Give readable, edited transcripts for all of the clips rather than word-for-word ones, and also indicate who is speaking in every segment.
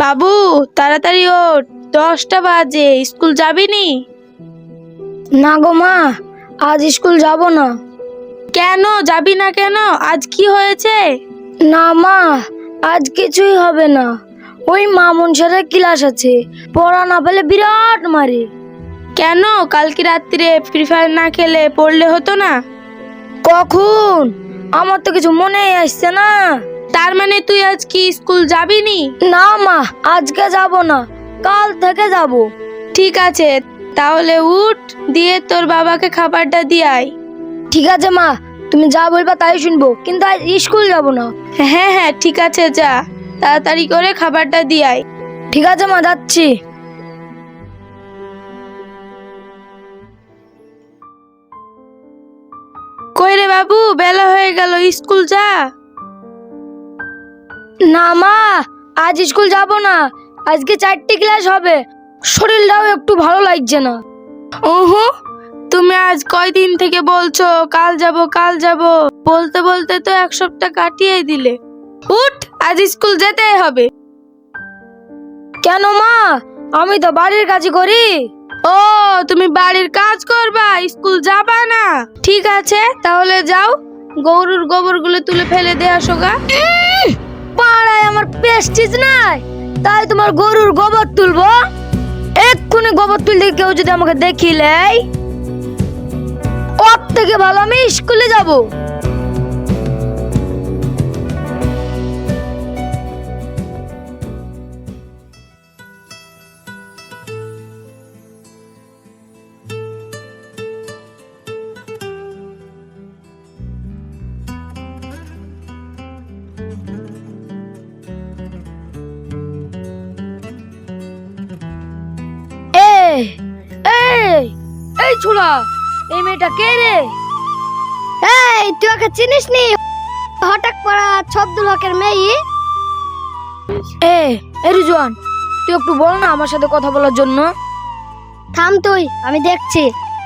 Speaker 1: বাবু তাড়াতাড়ি ওঠ, 10টা বাজে, স্কুল যাবি নি?
Speaker 2: না গো মা, আজ স্কুল যাব না।
Speaker 1: কেন যাবি না কেন? আজ কি হয়েছে?
Speaker 2: না মা, আজ কিছুই হবে না। ওই মামুন স্যারের ক্লাস আছে, পড়া না পেলে বিরাট মারে।
Speaker 1: কেন কালকে রাত্রে ফ্রি ফায়ার না খেলে পড়লে হতো না?
Speaker 2: কখন? আমার তো কিছু মনেই আসছে না।
Speaker 1: তার মানে তুই আজ কি স্কুল যাবি নি?
Speaker 2: না মা, আজকে যাব না, কাল থেকে যাব।
Speaker 1: ঠিক আছে, তাহলে উঠ, দিয়ে তোর বাবাকে খাবারটা দিয়ে আয়।
Speaker 2: ঠিক আছে মা, তুমি যা বলবা তাই শুনবো, কিন্তু আজ স্কুল যাব না।
Speaker 1: হ্যাঁ হ্যাঁ ঠিক আছে, যা তাড়াতাড়ি করে খাবারটা দিয়ে আয়।
Speaker 2: ঠিক আছে মা, যাচ্ছি।
Speaker 1: কই রে বাবু, বেলা হয়ে গেল, স্কুল যা।
Speaker 2: না মা, আজ স্কুল যাব না। আজকে 4টি ক্লাস হবে, শরীরটাও একটু ভালো লাগছে না।
Speaker 1: ওহো, তুমি আজ কয়দিন থেকে বলছো কাল যাব কাল যাব, বলতে বলতে তো 1 সপ্তাহ কাটিয়ে দিলে। উঠ, আজ স্কুল যেতেই হবে।
Speaker 2: কেন মা? আমি তো বাড়ির কাজ করি।
Speaker 1: ও, তুমি বাড়ির কাজ করবা, স্কুল যাবা না? ঠিক আছে, তাহলে যাও, গরুর গোবরগুলো তুলে ফেলে দিয়ে আসো গা।
Speaker 2: পাড়ায় আমার প্রেস্টিজ নাই, তাই তোমার গরুর গোবর তুলবো? এক্ষুনি গোবর তুলতে কেউ যদি আমাকে দেখিলেই, ওর থেকে ভালো আমি স্কুলে যাব। এই এই এই ছোড়া, এই মেয়েটা কে রে? এই, তুই ওকে চিনিস নি? হঠাৎ পড়া ছব্দুল হকের মেয়ে। এই রিজওয়ান, তুই একটু বল না আমার সাথে কথা বলার জন্য। থাম তুই, আমি দেখছি।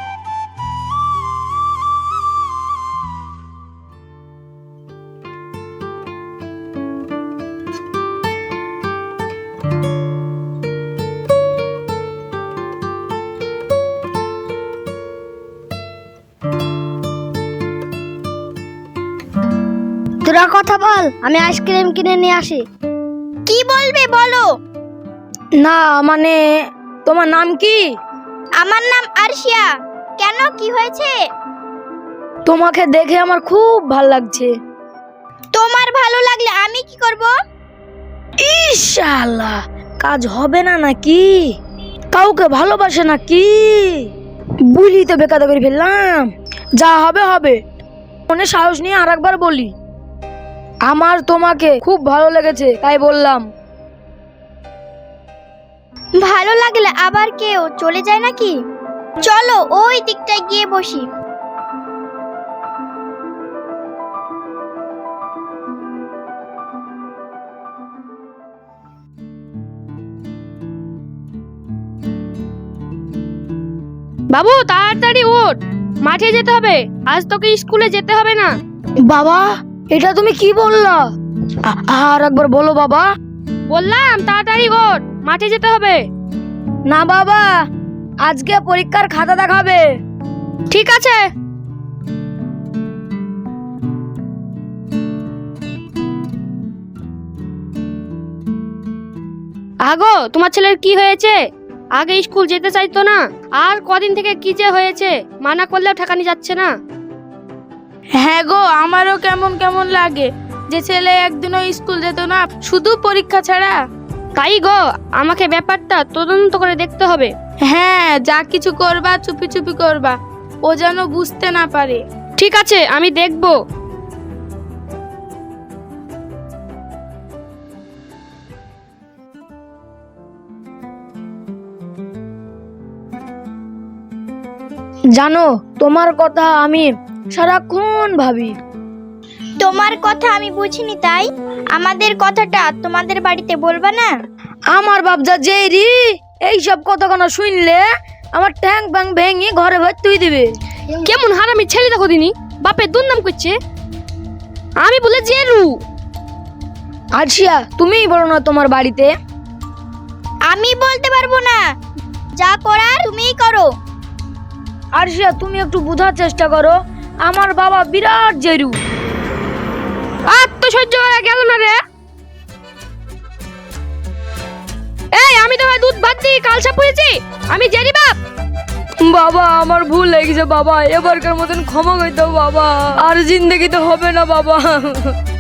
Speaker 2: তোরা কথা বল, আমি আইসক্রিম কিনে নিয়ে আসি।
Speaker 3: কি বলবে বলো?
Speaker 2: না মানে, তোমার নাম কি?
Speaker 3: আমার নাম আরশিয়া। কেন, কি হয়েছে?
Speaker 2: তোমাকে দেখে আমার খুব ভালো লাগছে।
Speaker 3: তোমার ভালো লাগলে আমি কি করব?
Speaker 2: ইনশাআল্লাহ কাজ হবে না নাকি? কাউকে ভালোবাসে নাকি? বুলি তো বেকাদা করে ফেললাম। যা হবে হবে, মনে সাহস নিয়ে আরেকবার বলি, আমার তোমাকে খুব ভালো লেগেছে, তাই বললাম।
Speaker 3: ভালো লাগলে আবার কেউ চলে যায় নাকি? চলো ওই দিকটায় গিয়ে বসি।
Speaker 4: বাবু তাড়াতাড়ি ওঠ, মাঠে যেতে হবে, আজ তোকে স্কুলে যেতে হবে না।
Speaker 2: বাবা, এটা তুমি কি বললা? আর একবার বলো বাবা।
Speaker 4: বললাম তাড়াতাড়ি ওঠ, মাঠে যেতে হবে।
Speaker 2: না বাবা, আজকে পরীক্ষার খাতা দেখাবে।
Speaker 4: ঠিক আছে। আগো, তোমার ছেলের কি হয়েছে? আগে স্কুল যেতে চাইতো না, আর কদিন থেকে কি যে হয়েছে, মানা করলেও ঠেকানি যাচ্ছে না।
Speaker 1: হ্যাঁ গো, আমারও কেমন কেমন লাগে যে ছেলে একদিনও স্কুল যেত না, শুধু পরীক্ষা ছাড়া।
Speaker 4: তাই গো, আমাকে ব্যাপারটা তদন্ত করে দেখতে হবে।
Speaker 1: হ্যাঁ, যা কিছু করবা চুপি চুপি করবা, ও যেন বুঝতে না পারে।
Speaker 4: ঠিক আছে, আমি দেখবো।
Speaker 2: জানো, তোমার কথা আমি সারাক্ষণ ভাবি।
Speaker 3: তোমার কথা আমি বুঝিনি, তাই আমাদের কথাটা তোমাদের বাড়িতে বলবা না?
Speaker 2: আমার বাপজা জেরি এইসব কথা কোনো শুনলে আমার ট্যাং ব্যাং ভেঙে ঘরে ভর তুই দিবে।
Speaker 4: কেমন হারামি ছেলে দেখো দিনি, বাপের দুর্নাম করছে। আমি বলে জেরু।
Speaker 2: আরশিয়া, তুমিই বলো না তোমার বাড়িতে।
Speaker 3: আমি বলতে পারবো না, যা করার তুমিই করো।
Speaker 2: আরশিয়া, তুমি একটু বোঝার চেষ্টা করো, আমার বাবা বিরাট জেরু।
Speaker 4: আর তো সহ্য করা গেল না রে। এই আমি তোমার দুধ ভাত দিয়ে কালসা পুড়েছি, আমি জেরি বাপ।
Speaker 1: বাবা আমার ভুল হয়ে গেছে বাবা, এবারকার মতন ক্ষমা করে দাও বাবা, আর জিন্দেগিতে হবে না বাবা।